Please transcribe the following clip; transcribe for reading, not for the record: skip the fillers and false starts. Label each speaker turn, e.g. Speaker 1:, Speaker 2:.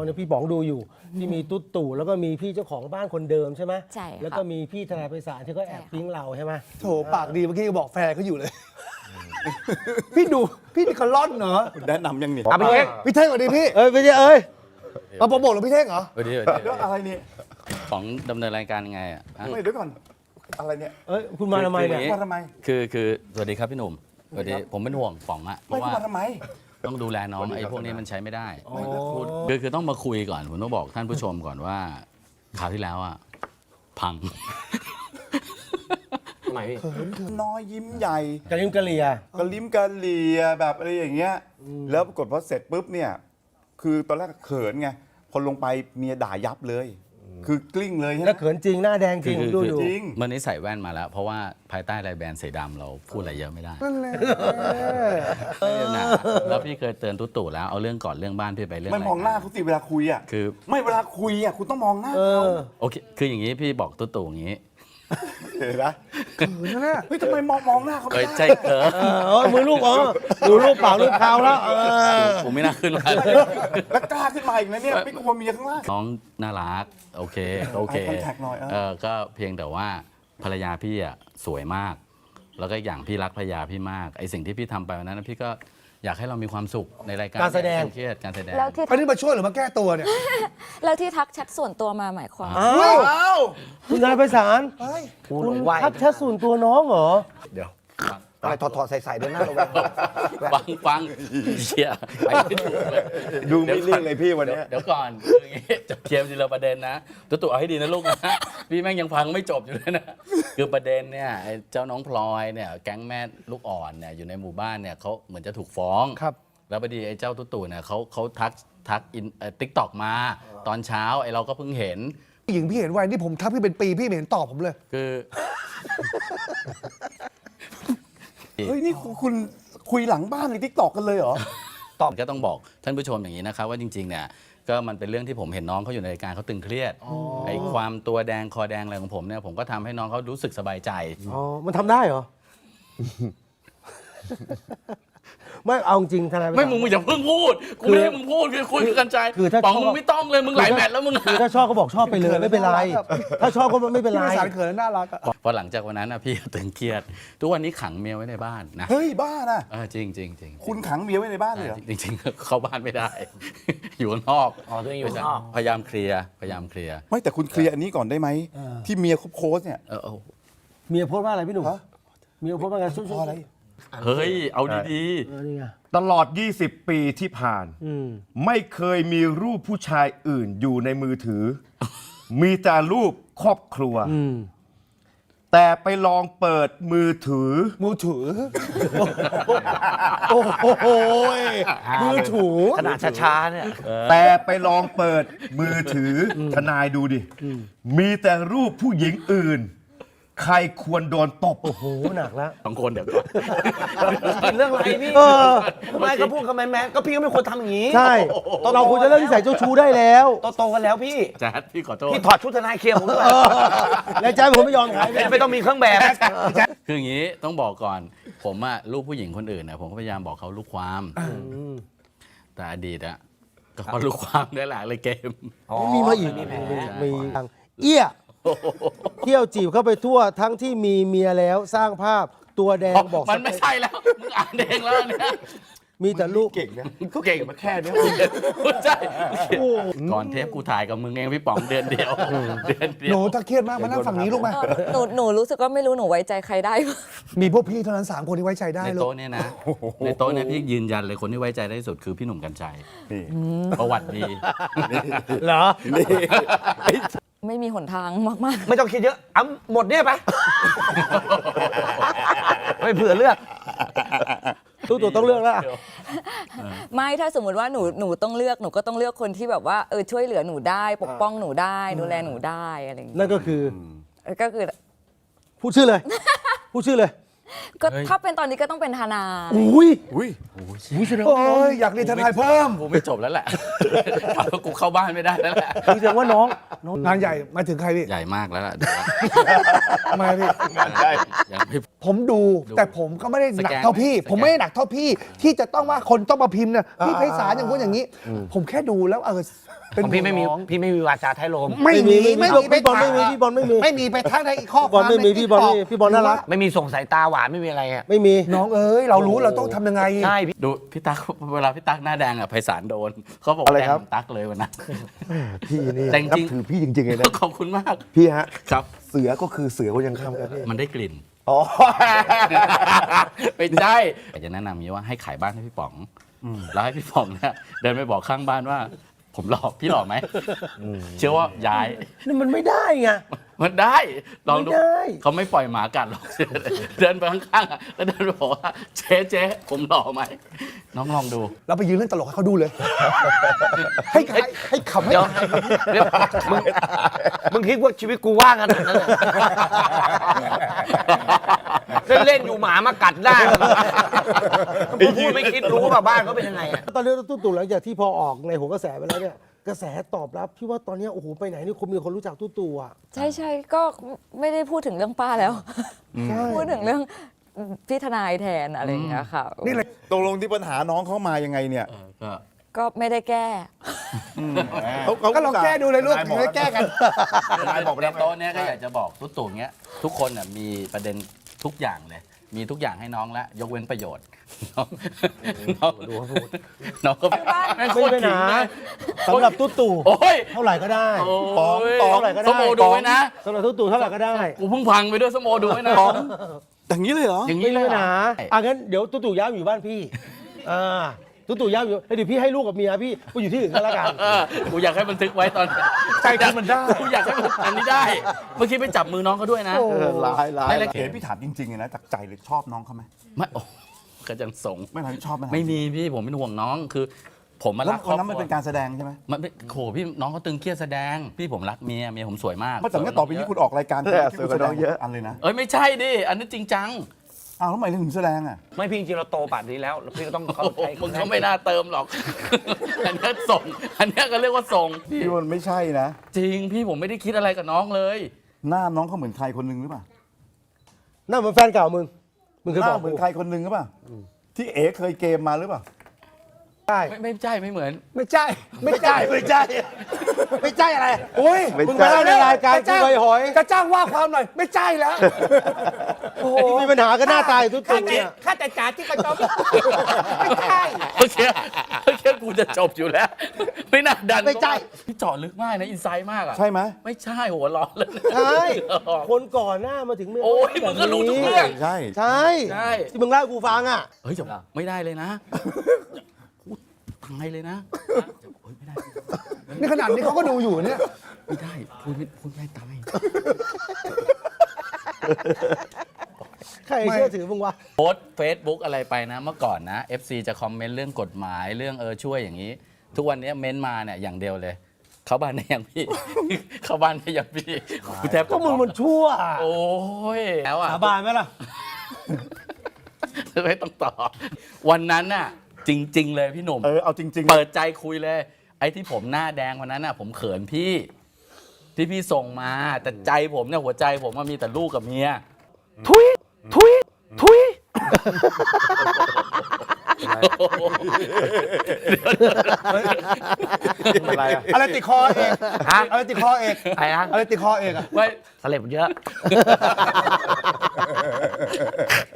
Speaker 1: เนี่ยพี่ป๋องดูอยู่ที่มีตุ๊ดตู่แล้วก็มีพี่เจ้าของบ้านคนเดิมใช่ไหม
Speaker 2: ใช่ค่ะ
Speaker 1: แล้วก็มีพี่ทนายไพศาลที่เขาแอบปิ๊งเราใช่ไหม
Speaker 3: โถปากดีเมื่อกี้บอกแฟนเขาอยู่เลย พี่ดูพี่นี่เขาล่อนเนาะ
Speaker 4: แนะนำยังนี่
Speaker 3: พี่เท่งพี่เท่งสวัสดีพี่
Speaker 1: ไม่ใช่
Speaker 3: เอาโปรโมทหรือพี่เท่งเหรอ
Speaker 5: สวัสดี
Speaker 4: แล้วอะไรเนี่ย
Speaker 5: ของดำเนินรายการยังไงอ่ะ
Speaker 4: ไม่เดี๋ยวก่อนอะไรเนี่ย
Speaker 1: คุณมาทำไมเนี่ย
Speaker 4: มาทำไม
Speaker 5: คือสวัสดีครับพี่หนุ่มสวัสดีผมเป็นห่วงป๋องอะเพ
Speaker 4: ไม่
Speaker 5: ราะว่า
Speaker 4: มาทำไม
Speaker 5: ต้องดูแลน้องไอ้พวกนี้มันใช้ไม่ได้คือต้องมาคุยก่อนผมต้องบอกท่านผู้ชมก่อนว่าคราวที่แล้วอ่ะพัง
Speaker 6: ทำไมพี่
Speaker 4: น้อยยิ้มใหญ่
Speaker 1: กะลิมกะเลีย
Speaker 4: กระลิ้มกระเหลียแบบอะไรอย่างเงี้ยแล้วปรากฏพอเสร็จปุ๊บเนี่ยคือตอนแรกเขินไงพอลงไปเมียด่ายับเลย คือกลิ้งเลยใช่ไหม
Speaker 1: แล้วเขินจริงหน้าแดงจริง
Speaker 5: คือ
Speaker 1: ดู
Speaker 4: จริง
Speaker 5: เมื่อนี้ใส่แว่นมาแล้ว เพราะว่าภายใต้ลายแบรนด์สีดำเราพูดอะไรเยอะไม่ได้
Speaker 3: นั่นแหละ
Speaker 5: นะแล้วพี่เคยเตือนตุ๊ตู่แล้วเอาเรื่องก่อนเรื่องบ้านพี่ไปเรื่อง
Speaker 4: ไม่
Speaker 5: อะไร
Speaker 4: มองหน้าเขาสิเวลาคุยอ่ะ
Speaker 5: คือ
Speaker 4: ไม่เวลาคุยอ่ะคุณต้องมองหน้า
Speaker 1: เอ
Speaker 4: เขา
Speaker 1: อ
Speaker 5: โอเคคืออย่างนี้พี่บอกตุ๊ตู่อย่างนี้
Speaker 4: เห็นไหม
Speaker 3: นั่นแหละ
Speaker 4: เฮ้ยทำไมมองหน้าเขา
Speaker 5: เอ้
Speaker 4: ไม่
Speaker 5: ย
Speaker 4: ได้
Speaker 5: ใช่เออ
Speaker 1: มือลูกดูรูปปากรูปเท้าแล้ว
Speaker 5: ผมไม่น่าขึ้นมา
Speaker 4: แล้วกล้าขึ้นมาอีกนะเนี่ยไม่กลัวเมียข้างล่าง
Speaker 5: น้องน่ารักโอเค
Speaker 4: Eye contact หน่อย
Speaker 5: ก็เพียงแต่ว่าภรรยาพี่อ่ะสวยมาก แล้วก็อย่างพี่รักภรรยาพี่มากไอสิ่งที่พี่ทำไปวันนั้นนะพี่ก็อยากให้เรามีความสุขในรายการ
Speaker 1: การแสดง
Speaker 5: เครียดการแสดง
Speaker 2: แล้วที่
Speaker 3: อันนี้มาช่วยหรือมาแก้ตัวเนี่ย
Speaker 2: แล้วที่ทักแชทส่วนตัวมาหมายความ
Speaker 1: อ้าวคุณนายไพศาล
Speaker 6: พูด
Speaker 1: คุณ
Speaker 6: ไหว
Speaker 1: ทักแชทส่วนตัวน้องเหรอ
Speaker 6: เดี๋ยวอะไรถอดใส่ๆเดินหน้าเราแวะ
Speaker 5: ฟังเชียร์ไปไม่ถูกเลย
Speaker 4: ดูไม่เลี่ยงเลยพี่วันเนี้ย
Speaker 5: เดี๋ยวก่อนคืออย่างงี้จะเคลียร์ทีละประเด็นนะตัวเอาให้ดีนะลูกนะพี่แม่งยังฟังไม่จบอยู่เลยนะคือประเด็นเนี่ยไอ้เจ้าน้องพลอยเนี่ยแก๊งแม่ลูกอ่อนเนี่ยอยู่ในหมู่บ้านเนี่ยเขาเหมือนจะถูกฟ้อง
Speaker 3: ครับ
Speaker 5: แล้วพอดีไอ้เจ้าตุ๊ตู่เนี่ยเขาทักติ๊กต็อกมาตอนเช้าไอ้เราก็เพิ่งเห็น
Speaker 3: ผู้หญิงพี่เห็นไว้นี่ผมทักพี่เป็นปีพี่ไม่เห็นตอบผมเลย
Speaker 5: คือ
Speaker 4: เฮ้ยนี่คุณคุยหลังบ้านในทิกตอกกันเลยเหรอ
Speaker 5: ก็ต้องบอกท่านผู้ชมอย่างนี้นะครับว่าจริงๆเนี่ยก็มันเป็นเรื่องที่ผมเห็นน้องเขาอยู่ในรายการเขาตึงเครียดไอ้ความตัวแดงคอแดงอะไรของผมเนี่ยผมก็ทำให้น้องเขารู้สึกสบายใจ
Speaker 1: อ๋อ มันทำได้เหรอ ไม่เอาจริงทนาย
Speaker 5: ไม่มึงอย่าเพิ่งพูดกูไม่ให้มึงพูดคือคุยกันใจ
Speaker 1: คือถ้า
Speaker 5: ป๋อง
Speaker 1: ชอบ
Speaker 5: มึงไม่ต้องเลยมึงหลายแมตช์แล้วมึง
Speaker 1: คือถ้าชอบก็บอกชอบไปเลยไม่เป็นไร ถ้าชอบก็ไม่เป็นไร
Speaker 3: พี่ไพศาลเขินและน่ารักอะ
Speaker 5: พอหลังจากวันนั้นนะพี่ตึงเครียดทุกวันนี้ขังเมียไว้ในบ้านนะ
Speaker 4: เฮ้ยบ้านะ
Speaker 5: จริงจริงจริง
Speaker 4: คุณขังเมียไว้ในบ้านเลยเหรอ
Speaker 5: จริงๆเข้าบ้านไม่ได้ อยู่ข้างนอก
Speaker 6: อ๋อตัวเองอยู่ข้างนอก
Speaker 5: พยายามเคลียร์
Speaker 4: ไม่แต่คุณเคลียร์อันนี้ก่อนได้ไหมที่เมียเขาโพสต์เนี่ย
Speaker 1: เมียโพสต์ว่าอะไรพี่หนุ่ม
Speaker 4: ฮะ
Speaker 1: เมียโพสต์ว่าไงช่วย
Speaker 4: เพราะอะไร
Speaker 5: เฮ้ยเอาดี
Speaker 1: นี่ไง
Speaker 7: ตลอด 20 ปีที่ผ่าน ไม่เคยมีรูปผู้ชายอื่นอยู่ในมือถือ มีแต่รูปครอบครัว แต่ไปลองเปิดมือถือ
Speaker 3: มือถือ
Speaker 1: โอ้โหมือถู
Speaker 6: ขนาดช้าๆเนี่ย
Speaker 7: แต่ไปลองเปิดมือถือทนายดูดิ มีแต่รูปผู้หญิงอื่น ใครควรโดนตบ
Speaker 1: โอ้โหหนักแล้ว
Speaker 5: ๆสองคนเดี๋ยวก่อน
Speaker 6: เรื่องอะไรพี่
Speaker 1: เออ
Speaker 6: ทำไมก็พูดกับแมนๆก็พี่ก็ไม่ควรทำอย่างนี้
Speaker 1: ใช่ เราควรจะเลิกนิสัยเจ้าชู้ได้แล้ว
Speaker 6: โตๆกันแล้วพี่
Speaker 5: แจ๊ดพี่ขอโทษ
Speaker 6: พี่ถอดชุดทนายเคลียร์ผมด้วย
Speaker 1: แล้วใจผมไม่ยอมขายเลย
Speaker 6: ไม่ต้องมีเครื่องแบบ
Speaker 5: คืออย่างนี้ต้องบอกก่อน ผมอะลูกผู้หญิงคนอื่นนะผมก็พยายามบอกเขาลูกความ แต่อดีตอะก็เพราะลูกความได้แหละเลยเกม
Speaker 1: มีมาอีกมีทางเอี้ยเที่ยวจีบเข้าไปทั่วทั้งที่มีเมียแล้วสร้างภาพตัวแดงบอก
Speaker 5: มันไม่ใช่แล้ว มึงอ่านเองแล้วเนี่ย
Speaker 1: มีแต่ลูก
Speaker 4: เก่งนะ
Speaker 5: กูเก่งมาแค่นี้ใช่ก่อนเทปกูถ่ายกับมึงเองพี่ป๋องเดือนเดียวเดือนเดี
Speaker 3: ห
Speaker 5: ย
Speaker 3: นู
Speaker 5: ว
Speaker 3: ถ้าเครียดมากมานั่งฝั่งนี้ลูกมา
Speaker 2: หนูรู้สึกว่าไม่รู้หนูไว้ใจใครได้
Speaker 3: มีพวกพี่เท่านั้น3คนที่ไว้ใจได้
Speaker 5: ใน
Speaker 3: ลูก
Speaker 5: โต๊ะเนี่ยนะ ในโต๊ะเนี่ยพี่ยืนยันเลยคนที่ไว้ใจได้ที่สุดคือพี่หนุ่มกัญชัย
Speaker 4: นี่
Speaker 5: ประวัติดี
Speaker 1: เหรอ
Speaker 2: ไม่มีหนทางมาก
Speaker 6: ไม่ต้องคิดเยอะเอาหมดเนี่ยไป ไม่เผื่อเลือก
Speaker 1: ตู้ตัวต้องเลือกแล้ว
Speaker 2: ๆ ไม่ถ้าสมมติว่าหนูต้องเลือกหนูก็ต้องเลือกคนที่แบบว่าช่วยเหลือหนูได้ปกป้องหนูได้ดูแลหนูได้อะไรอย่างเงี้ย
Speaker 1: นั่นก็คือ
Speaker 2: ก็คือ
Speaker 1: พูดชื่อเลย พูดชื่อเลย
Speaker 2: ก็ถ้าเป็นตอนนี้ก็ต้องเป็นทนาย
Speaker 1: อุ้ย
Speaker 4: อุ้ย
Speaker 1: อุ้ยแสดง
Speaker 3: โอ้
Speaker 1: ว่าย
Speaker 3: อยากเรียนทนายเพิ่ม
Speaker 5: กูไม่จบแล้วแหละ กูเข้าบ้านไม่ได้แล้วแหละ
Speaker 1: แสดงว่าน้อง
Speaker 3: งานใหญ่มาถึงใครพี่
Speaker 5: ใหญ่มากแล้วล่ะ
Speaker 3: ทำไมพี่
Speaker 5: อย่างพี่
Speaker 3: ผมดูแต่ผมก็ไม่ได้หนักเท่าพี่
Speaker 5: สแกน
Speaker 3: ผมไม่ได้หนักเท่าพี่ ที่จะต้องว่าคนต้องมาพิมพ์เนี่ยพี่ไพศาลอย่างนู้นอย่างนี้ ผมแค่ดูแล้วเป็น
Speaker 6: ของพี่ไม่มี
Speaker 3: น้อง
Speaker 6: พี่ไม่มีวาจาท้ายลม
Speaker 3: ไม่มีไม่มี
Speaker 1: พี่บอลไม่มีพี่บอลไม่มี
Speaker 3: ไม่มีไปทั้งในข้อ
Speaker 1: พี่บอลไม่มี
Speaker 3: ใน
Speaker 1: พี่บอลไม่มี
Speaker 3: TikTok
Speaker 1: พี่บอลน่ารัก
Speaker 6: ไม่มีส่งสายตาหวานไม่มีอะไรอ่ะ
Speaker 1: ไม่มี
Speaker 3: น้องเอ้ยเรารู้เราต้องทำยังไง
Speaker 6: ใช่พี่
Speaker 5: ดูพี่ตั๊กเวลาพี่ตั๊กหน้าแดงอ่ะไพศาลโดนเขาบอก
Speaker 7: อะไร
Speaker 5: แดง
Speaker 7: ครับ
Speaker 5: เหมือนตั๊กเลยวันนั้น
Speaker 7: พี่นี่
Speaker 5: แต่จริง
Speaker 7: นับถือพี่จริงๆเลยนะ
Speaker 5: ขอบคุณมาก
Speaker 7: พี่ฮะ
Speaker 5: ครับ
Speaker 7: เสือก็คือเสือคนยังค่ำครับพี่
Speaker 5: มันได้กลิ่น
Speaker 7: อ๋อ
Speaker 5: ไม่ใช่อยากจะแนะนำอย่างนี้ว่าให้ขายบ้านให้พี่ป๋องแล้วให้พี่ป๋องเนี่ยเดินไปบอกข้างบ้านว่า ผมหลอกพี่หลอกไหมเชื่อว่าย้าย
Speaker 1: นี่มันไม่ได้ไง
Speaker 5: มันได้ลองดู
Speaker 1: ไม่ได้
Speaker 5: เขาไม่ปล่อยหมากัดหรอก เดินไปข้างๆอะแล้วเดินไปบอกว่าเจ๊ผมหลอกไหมน้องลองดู
Speaker 3: เราไปยืนเล่นตลกให้เขาดูเลย ให้ขำให้
Speaker 6: เดี๋ยวเดี๋ยวมึงคิดว่าชีวิตกูว่างขนาดนั้นเลยเล่นๆอยู่หมามากัดได้มึงพูดไม่คิดรู้ป่ะบ้านเขาเป็นยังไงอ่ะ
Speaker 1: ตอนนี้ตู้ตู่หลังจากที่พอออกในโหนกระแสไปแล้วเนี่ยกระแสตอบรับพี่ว่าตอนนี้โอ้โหไปไหนนี่คนมีคนรู้จักตู้ตู่อ่ะ
Speaker 2: ใช่ก็ไม่ได้พูดถึงเรื่องป้าแล้ว
Speaker 1: ใช่
Speaker 2: พูดถึงเรื่องพี่ทนายแทนอะไรอย่างเงี้ยค่ะ
Speaker 3: นี่เลย
Speaker 4: ตกลงที่ปัญหาน้องเขามายังไงเนี่ย
Speaker 5: ก็
Speaker 2: ก็ไม่ได้แก้
Speaker 3: ก็ลองแก้ดูเลยลูกถึงได้แก้กัน
Speaker 5: นายบอกในโต๊ะเนี้ยก็อยากจะบอกตุ๊ตู่เนี้ยทุกคนน่ะมีประเด็นทุกอย่างเลย มีทุกอย่างให้น้องแล้วยกเว้นประโยชน์น้องน้องก็แม่งโค
Speaker 1: ไม่
Speaker 5: ตร
Speaker 1: เป็น
Speaker 5: ขิง
Speaker 1: หา
Speaker 5: นะ
Speaker 1: สำหรับตู้ตู่
Speaker 5: โอ้ย
Speaker 1: เท่าไหร่ก็ได้
Speaker 5: โอ้ย
Speaker 1: เท่าไหร่ก็ได้
Speaker 5: สโมดูไว้นะ
Speaker 1: สำหรับตู้ตู่เท่าไหร่ก็ได้
Speaker 5: กูเพิ่งพังไปด้วยสโมดูไว้นะ
Speaker 4: อย่างนี้เลยเหรอ
Speaker 5: อย่าง
Speaker 1: ไม่
Speaker 5: นี้เล
Speaker 1: มี
Speaker 5: ย
Speaker 1: ปัญ
Speaker 5: เหรอ
Speaker 1: หางั้นเดี๋ยวตู้ตู่ย้ายมาอยู่บ้านพี่ตู้ตู่ย้ายอยู่แล้วเดี๋ยวพี่ให้ลูกกับเมียพี่ไปอยู่ที่อื่นก็แล้วกัน
Speaker 5: กูอยากให้บันทึกไว้ตอน
Speaker 3: ใจคุณมันได้
Speaker 5: กูอยากให้อันนี้ได้ เมื่อกี้ไปจับมือน้องเขาด้วยนะ
Speaker 7: ร้ายร้าย
Speaker 5: ไม่เลย
Speaker 4: เห็นพี่ถามจริงๆเลยนะจากใจเลยชอบน้องเขาไหม
Speaker 5: ไม่โอ้ก็ยังส่ง
Speaker 4: ไม่ถามชอบไหม
Speaker 5: ไม่มีพี่ผมเป็นห่วงน้องคือ ผมมา
Speaker 4: แล้ว
Speaker 5: รักค
Speaker 4: ค
Speaker 5: รอน บ
Speaker 4: นั้นมัน
Speaker 5: ครั
Speaker 4: เป็นการแสดงใช่ไหม
Speaker 5: มันไม่โหพี่น้องเขาตึงเครียดแสดง พี่ผมรักเมียผมสวยมาก
Speaker 4: เพราะจากนี้ต่อไปนี้คุณออกรายการ
Speaker 7: สวยกว่าน้องเยอะ
Speaker 4: อันเลยนะ
Speaker 5: เอ้ยไม่ใช่ดิอันนี้จริงจัง
Speaker 4: อ้าวแล้วทำไมถึงแสดงอ่ะ
Speaker 6: ไม่พี่จริงๆเราโตป่านนี้แล้วพี่ก็ต้องเข้า
Speaker 5: โอ้โห
Speaker 6: ใจ
Speaker 5: มึงก็ไม่น่าเติมหรอก อันนี้ส่ง อันนี้ก็เรียกว่าส่ง
Speaker 4: พี่มันไม่ใช่นะ
Speaker 5: จริงพี่ผมไม่ได้คิดอะไรกับน้องเลย
Speaker 4: หน้าน้องเขาเหมือนใครคนหนึงหรือเปล่า
Speaker 1: นั่นเหมือนแฟนเก่ามึงเคย
Speaker 4: ห
Speaker 1: บ
Speaker 4: น้า
Speaker 1: อก
Speaker 4: เหมื
Speaker 1: กู
Speaker 4: อนใครคนหนึงหรือเปล่าที่เอ๋เคยเกมมาหรือเปล่า
Speaker 1: ใช่
Speaker 5: ไม่ใช่ไม่เหมือน
Speaker 3: ไม่ใช่ไม่ใช่
Speaker 1: ไม่ใช่ไม่ใช่อะไร
Speaker 3: โอ้ย
Speaker 1: มึงไปเล่าในรายการกูไปหอย
Speaker 3: จะจ้างว่าความหน่อยไม่ใช่แล้วโอ้โห
Speaker 1: มีปัญหากันหน้าตายตู้ตู่เนี่ย
Speaker 3: ข้าแต่จ๋าที่กระจอกไม่ใช่
Speaker 5: โอเคกูจะจบอยู่แล้ว ไม่น่าดัน
Speaker 1: ไม่ใช่
Speaker 5: พี่เจาะลึกมากนะอินไซด์มากอ่ะ
Speaker 4: ใช่ไหม
Speaker 5: ไม่ใช่หัวร้อนเลย
Speaker 1: ใช่คนก่อนหน้ามาถึงเมื่
Speaker 5: โอ้ยมึงก็รู้ทุกเรื่อง
Speaker 4: ใช่
Speaker 1: ใช่
Speaker 5: ใช่
Speaker 1: ที่มึงเล่าให้กูฟังอ่ะ
Speaker 5: เฮ้ยจะไม่ได้เลยนะพูดตายเลยนะเฮ้ยไม่ได้
Speaker 3: นี่ขนาดนี้เขาก็ดูอยู่เนี่ย
Speaker 5: ไม่ได้พูดไม่ได้ตาย
Speaker 1: ใครเชื่อถือมึงวะ
Speaker 5: โพสเฟซบุ๊กอะไรไปนะ เมื่อก่อนนะ FC จะคอมเมนต์เรื่องกฎหมายเรื่องช่วยอย่างนี้ ทุกวันนี้เม้นมาเนี่ยอย่างเดียวเลย เข้าบ้านได้ยังพี่ เข้าบ้านได้ยังพี่กูแทบ
Speaker 1: ก็มึงมันชั่ว
Speaker 5: โอ้ยแล้วอ่ะ
Speaker 1: สาบานไหมล่ะ
Speaker 5: ไม่ต้องตอบวันนั้นน่ะ จริง ๆ เลยพี่หนุ่ม
Speaker 4: เอาจริงๆ
Speaker 5: เปิดใจคุยเลย ไอ้ที่ผมหน้าแดงวันนั้นน่ะ ผมเขินพี่ ที่พี่ส่งมา แต่ใจผมเนี่ยหัวใจผมมันมีแต่ลูกกับเมีย
Speaker 6: ทุยทุยทุย
Speaker 7: อะไรอะ
Speaker 3: อะไรติดคอเอก
Speaker 6: ฮะ
Speaker 3: อะไรติดคอเอก
Speaker 6: ไอ้ฮะ
Speaker 3: อะไรติดคอเอกอะ
Speaker 5: ไม่
Speaker 6: สเลบเยอะ